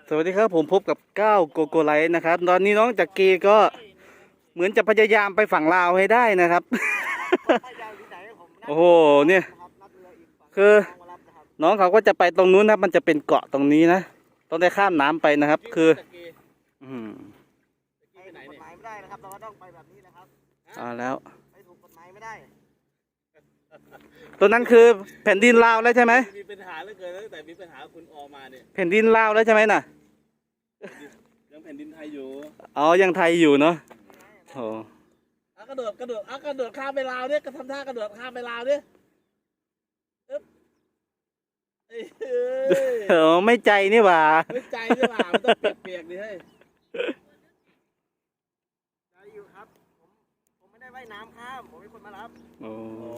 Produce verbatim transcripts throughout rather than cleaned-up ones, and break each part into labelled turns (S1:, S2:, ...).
S1: สวัสดีครับผมพบกับก้าวโกโกไลท์นะครับตอนนี้น้องจักรีก็เหมือนจะพยายามไปฝั่งลาวให้ได้นะครับ โอ้โหเนี่ยคือน้องเขาก็จะไปตรงนู้นนะมันจะเป็นเกาะตรงนี้นะต้องได้ข้ามน้ำไปนะครับคืออืม
S2: ไปถูกกฎหมายไม่ได้นะครับเราก็ต้องไปแบบนี้นะครับ
S1: เอาแล้ว
S2: ไปถูกกฎหมายไม่ได้
S1: ตัวนั้นคือแผ่นดินลาวแล้วใช่ไหม
S3: มีปัญหาเหลือเกินตั้งแต่มีปัญหาคุณออกมาเนี่ย
S1: แผ่นดินลาวแล้วใช่ไหมน่ะ
S3: ยังแผ่นดินไทยอยู่
S1: อ๋อยังไทยอยู่เนาะโอ้
S3: อ่ะกระโดดกระโดดอ่ะกระโดดข้ามไปลาวเนี่ยก็ทำท่ากระโดดข้ามไปลาวเนี่ยอึ๊บเอ้ยเอ้ย
S1: เออไม่ใจนี่หว่า
S3: ไม่ใจใช่ป่ะมันต้องเปียกๆดิเฮ้ย
S2: ได้อยู่ครับผมผมไม่ได้ว่ายน้ำข้ามผมเป็นคนมารับ
S1: โอ้
S3: โอ้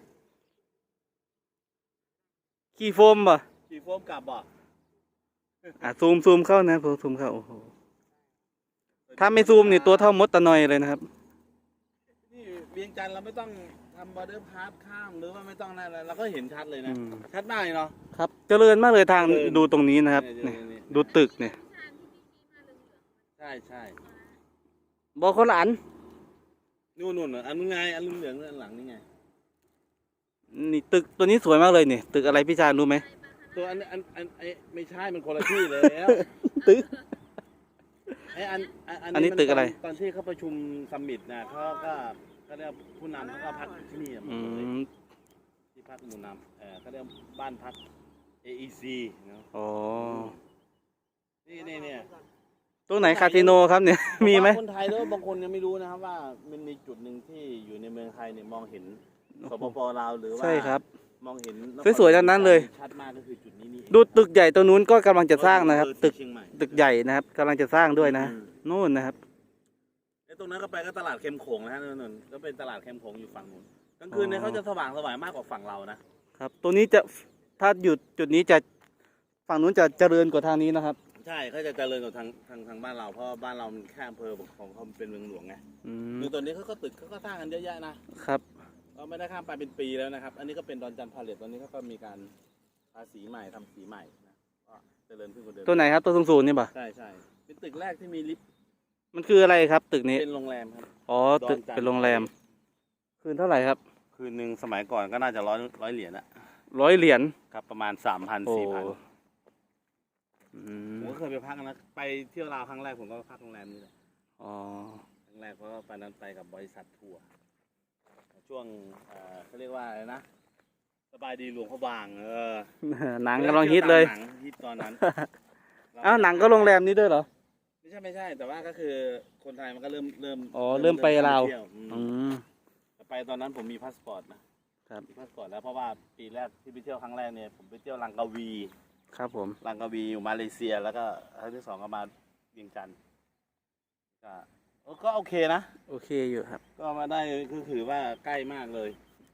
S1: ขี้โฟมป่ะ
S3: ขี่โฟมกลับบ่
S1: อ่ะซูมซูมเข้านะซูมเข้าโอ้โหถ้าไม่ซูมนี่ตัวเท่ามดตะนอยเลยนะครับ
S3: นี่เวียงจันทร์เราไม่ต้องทำบอร์เดอร์พาสข้ามหรือว่าไม่ต้องนั่นอะไรเราก็เห็นชัดเลยนะ
S1: อืม
S3: ชัดมากเลยเนาะ
S1: ครับเจริญมากเลยทาง
S3: เจริญ
S1: ดูตรงนี้นะครับ
S3: เนี่ย
S1: นี่
S3: เนี่ย
S1: ดูตึกเนี่ย
S3: ใช่ใช่
S1: บอกคนละอัน
S3: นู่นนู่นๆอันนู้นไงอันเหลืองๆอันหลังนี่ไง
S1: นี่ตึกตัวนี้สวยมากเลยนี่ตึกอะไรพี่ชายรู้ไหม
S3: ตัวอันอันอันไอไม่ใช่มันคนละที่เลยแล้ว
S1: ตึก
S3: ไออัน
S1: อันนี้ตึกอะไร
S3: ตอนที่เขาประชุมซัมมิตนะเขาก็เขาเรียกผู้นำเขาก็พักที่นี่หม
S1: อื
S3: ดเลย
S1: ม
S3: ที่พักหมู่นำเออเขาเรียกบ้านพัก เอ อี ซี เนาะ
S1: อ๋อ
S3: นี่นี่เนี่ย
S1: ตรงไหนคาสิโนครับเนี่ย มีไหม
S3: ผว่าคนไทยแล้วบางคนยังไม่รู้นะครับว่ามันมีจุดหนึ่งที่อยู่ในเมืองไทยเนี่ยมองเห็นสปปลาวหรือว่า
S1: ใช่ครับ
S3: มองเห็น
S1: สวยๆทั้งนั้นเลย
S3: ชัดมากก็คือจุดนี้นี่เอง
S1: ดูตึกใหญ่ตัวนู้นก็กำลังจะสร้างนะครับ
S3: เออ
S1: ตึก
S3: ที่เชียงใหม่
S1: ตึกใหญ่นะครับกำลังจะสร้างด้วยนะ
S3: อืม
S1: นู่นนะครับ
S3: ไอ้ตรงนั้นก็ไปก็ตลาดเค็มโขงนะฮะนู่นๆก็เป็นตลาดเค็มโขงอยู่ฝั่งนู้นกลางคืนเนี่ย
S1: อ๋อ
S3: เขาจะสว่างสวายมากกว่าฝั่งเรานะครับ
S1: ตัวนี้จะถ้าหยุดจุดนี้จะฝั่งนู้นจะเจริญกว่าทางนี้นะครับ
S3: ใช่เขาจะเจริญกว่าทางทางทางบ้านเราเพราะบ้านเรามันแค่อำเภอของเขาเป็นเมืองหลวงไง
S1: อืม
S3: คือตอนนี้เขาก็ตึกเขาก็สร้างกันเยอะแยะนะครับ เราไม่ได้ข้ามไปเป็นปีแล้วนะครับ อันนี้ก็เป็นดอนจันทร์พาเลทตอนนี้เขาก็มีการทาสีใหม่ทำสีใหม่นะก็เจริญขึ้นกว่าเดิม
S1: ตัวไหนครับตัวสูงๆนี่ป่ะ
S3: ใช่ใช่เป็นตึกแรกที่มีลิฟต์
S1: มันคืออะไรครับ ตึกนี้
S3: เป็นโรงแรมครับ
S1: อ๋อตึก
S3: ดอนจันทร์
S1: เป็นโรงแรม คืนเท่าไหร่ครับ
S3: คืนหนึ่งสมัยก่อนก็น่าจะร้อยร้อยเหรียญอะ
S1: ร้อยเหรียญ
S3: ครับประมาณสามพัน
S1: โอ้
S3: สี่พัน
S1: อื
S3: ผม มก็เคยไปพักนะไปเที่ยวลาวครั้งแรกผมก็พักโรงแรมนี้แหละ
S1: อ๋อ
S3: ครั้งแรกเพราะว่าไปนั้นไปกับบริษัททัวร์ช่วงเอ่อเขาเรียกว่าอะไรนะสบายดีหลวงพระบางเออ
S1: หนังกำลังฮิตเลย
S3: หนังฮิตตอนนั้น
S1: อ้าวหนังก็โรงแรมนี้ด้วยเหรอ
S3: ไม่ใช่ไม่ใช่ แต่ว่าก็คือคนไทยมันก็เริ่มเริ่ม
S1: อ๋อเริ่มไปลาว
S3: เที่ยอืม
S1: อืม
S3: แต่ไปตอนนั้นผมมีพาสปอร์ตนะครับ มีพาสปอร์ตแล้วเพราะว่าปีแรกที่ไปเที่ยวครั้งแรกเนี่ยผมไปเที่ยวลังกาวี
S1: ครับผม
S3: ลังกาวีอยู่มาเลเซีย แล้วก็ครั้งที่สองก็มาเวียงจันทร์ก็เออก็โอเคนะ
S1: โอเคอยู่ครับ
S3: ก็มาได้ก็คือว่าใกล้มากเลย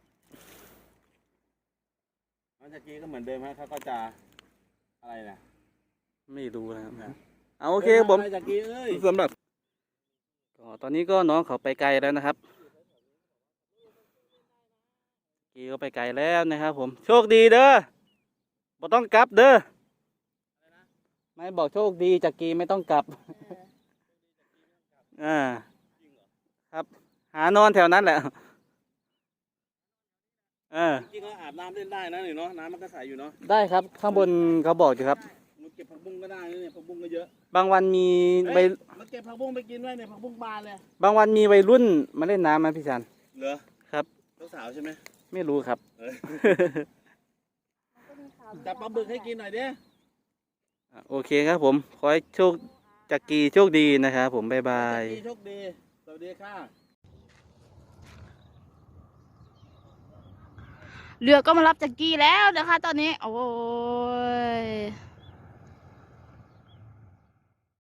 S3: หลังจากนี้ก็เหมือนเดิมฮะเขาก็จะอะไรนะ
S1: ไม่รู้นะครับ
S3: นะ
S1: เอาโอเคผม
S3: หลังจากนี้เอ้ย
S1: สำหรับก็ตอนนี้ก็น้องเขาไปไกลแล้วนะครับกีก็ไปไกลแล้วนะครับ ผมโชคดีเด้อบ่ต้องกลับเด้อไม่บอกโชคดีจากกีไม่ต้องกลับอ่าครับ หานอนแถวนั้นแหละเออ
S3: จริงๆก็อาบน้ำเล่นได้นะนี่เนาะน้ำมันก็ใสอยู่เนาะ
S1: ได้ครับข้างบนเขาบอกอยู่ครับ
S3: มันเก็บผักบุ้งก็ได้นะเนี่ยผักบุ้งก็เยอะ
S1: บางวันมี
S3: เฮ้
S1: วั
S3: ย
S1: ย
S3: มาเก็บผักบุ้งไปกินด้วยเนี่ยผักบุ้งบานเลย
S1: บางวันมีวัยรุ่นมาเล่นน้ำไหมพี่ชัน
S3: เหรอ
S1: ครับ
S3: สาวๆใช่ไหม
S1: ไม่รู้ครับ
S3: เออ จับปลาบึกให้กินหน่อยดิ
S1: โอเคครับผมขอให้โชคจักรีโชคดีนะครับผมบ๊ายบาย
S3: โชคดี สวัสดีค่ะ
S4: เรือก็มารับจากกี้แล้วนะคะตอนนี้ โอ้ย